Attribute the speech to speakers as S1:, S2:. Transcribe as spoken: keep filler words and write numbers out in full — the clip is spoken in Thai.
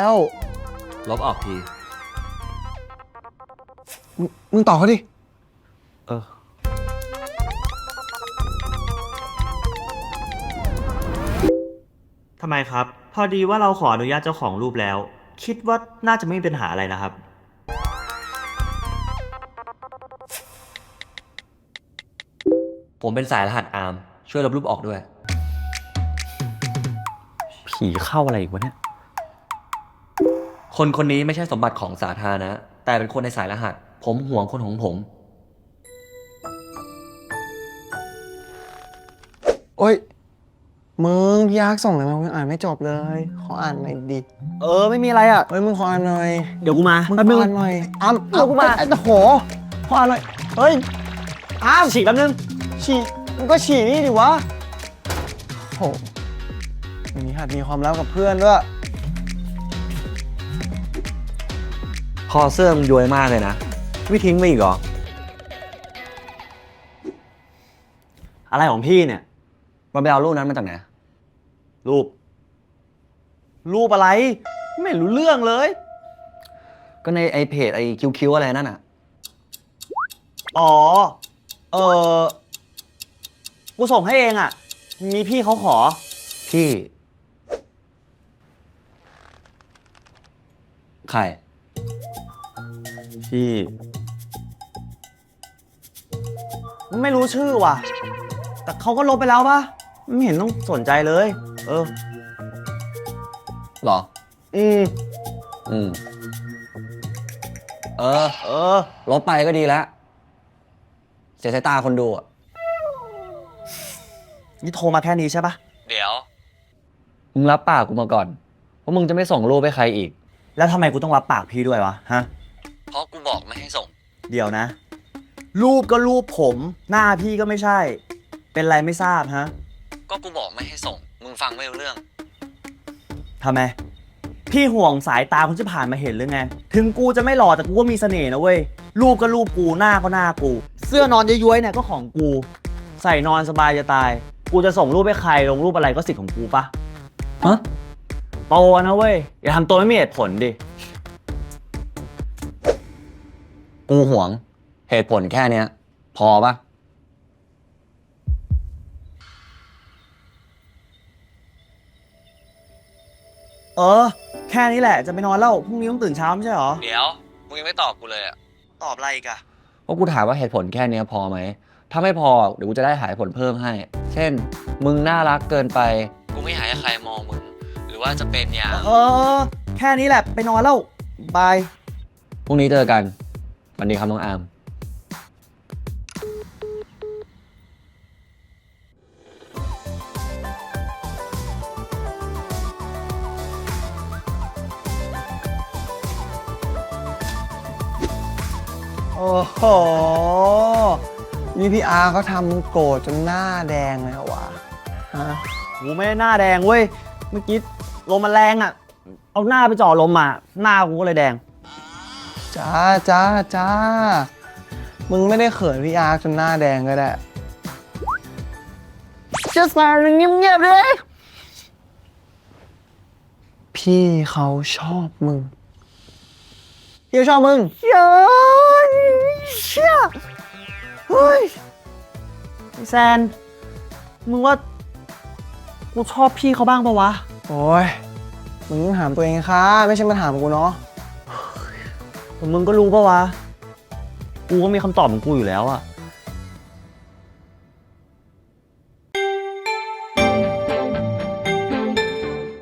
S1: ว
S2: ลบออกที
S1: มึงมึงตอบเขาดิ
S2: เออ
S3: ทำไมครับ พอดีว่าเราขออนุญาตเจ้าของรูปแล้ว คิดว่าน่าจะไม่มีปัญหาอะไรนะครับ
S2: ผมเป็นสายรหัสอาร์มช่วยลบรูปออกด้วย
S3: ผีเข้าอะไรอีกวะเนี่ย
S2: คนคนนี้ไม่ใช่สมบัติของสาธารณะแต่เป็นคนในสายรหัสผมห่วงคนของผม
S1: โอ้ยมึงพี่ยักษ์ส่งอะไรมามึงอ่านไม่จบเลยขออ่านหน่อยดิ
S3: เออไม่มีอะไรอ่ะ
S1: เฮ้ยมึงขออ่านหน่อย
S3: เดี๋ยวกูมา
S1: มึง
S3: แป๊บ
S1: ข
S3: นึ
S1: อง อ่านหน่อยอ้าม
S3: เดี๋ยวกูมา
S1: ไอ้ตะโหขออ่านหน่อยเฮ้ย
S3: อ้าวฉีกแป๊บนึง
S1: ฉี่มึงก็ฉี่นี่ดิวะโหอย่างนี้หัดมีความลับกับเพื่อนด้วย
S2: คอเสื้อมึงย้วยมากเลยนะไม่ทิ้งไปอีกเหรอ
S3: อะไรของพี่เนี่ย
S2: มันไปเอารูปนั้นมาจากไหน
S3: รูป รูปอะไร ไม่รู้เรื่องเลย
S2: ก็ในไอเพจไอคิวคิวอะไรนั่นอ่ะ
S3: อ๋อ เออกูส่งให้เองอ่ะ มีพี่เขาขอ
S2: พี่ใคร
S3: พี่ ไม่รู้ชื่อว่ะ แต่เขาก็ลบไปแล้วปะไม่เห็นต้องสนใจเลย เออ
S2: หรอ
S3: อืม
S2: อืมเออ
S3: เออ
S2: ลบไปก็ดีแล้วเสียสายตาคนดูอ่ะ
S3: นี่โทรมาแค่นี้ใช่ปะ
S2: เดี๋ยวมึงรับปากกูมาก่อนว่ามึงจะไม่ส่งรูปให้ใครอีก
S3: แล้วทำไมกูต้องรับปากพี่ด้วยวะ ฮะ
S2: เพราะกูบอกไม่ให้ส่ง
S3: เดี๋ยวนะ รูปก็รูปผม หน้าพี่ก็ไม่ใช่ เป็นไรไม่ทราบฮะ
S2: ก็กูบอกไม่ให้ส่งมึงฟังไม่รู้เรื่อง
S3: ทำไม พี่ห่วงสายตาคนที่ผ่านมาเห็นหรือไง ถึงกูจะไม่หล่อแต่กูก็มีเสน่ห์นะเว้ย รูปก็รูปกู หน้าก็หน้ากู เสื้อนอนย้วยๆเนี่ยก็ของกู ใส่นอนสบายจะตาย กูจะส่งรูปให้ใครลงรูปอะไรก็สิทธิ์ของกูปะ
S2: ฮะ
S3: โตนะเว้ย อย่าทำตัวไม่มีเหตุผลดิ
S2: กูห่วงเหตุผลแค่เนี้ย พอปะ
S3: เออ แค่นี้แหละจะไปนอนแล้วพรุ่งนี้ต้องตื่นเช้าไม่ใช่หรอ
S2: เดี๋ยวมึงยังไม่ตอบกูเลยอ่ะ
S3: ตอบอะไรอีกอะ
S2: เพราะกูถามว่าเหตุผลแค่เนี้ยพอไหมถ้าไม่พอเดี๋ยวกูจะได้หาเหตุผลเพิ่มให้ เช่น มึงน่ารักเกินไปกูไม่อยากให้ใครมองมึงหรือว่าจะเป็นอย่าง
S3: เออ แค่นี้แหละไปนอนแล้วบาย
S2: พรุ่งนี้เจอกันวันดีครับน้องอาร์ม
S1: โอ้โหนี่พี่อาร์เขาทำมึงโกรธจนหน้าแดงเลยเหรอวะฮะ
S3: กูไม่ได้หน้าแดงเว้ย เมื่อกี้ลมมันแรงอ่ะ เอาหน้าไปจ่อลมมา หน้ากูก็เลยแดง
S1: จ้าจ้าจ้ามึงไม่ได้เขินพี่อาร์จนหน้าแดงก็ได้จะสารเงียบๆเลยพี่เขาชอบมึงพี่เขาชอบมึงเย้ยเชี่ยเฮ้ย
S3: ไอ้แซน มึงว่า กูชอบพี่เขาบ้างปะวะ
S1: โอ้ยมึงต้องถามตัวเองค่ะไม่ใช่มาถามกูเนาะ
S3: แต่มึงก็รู้ปะวะ กูก็มีคำตอบของกูอยู่แล้วอะ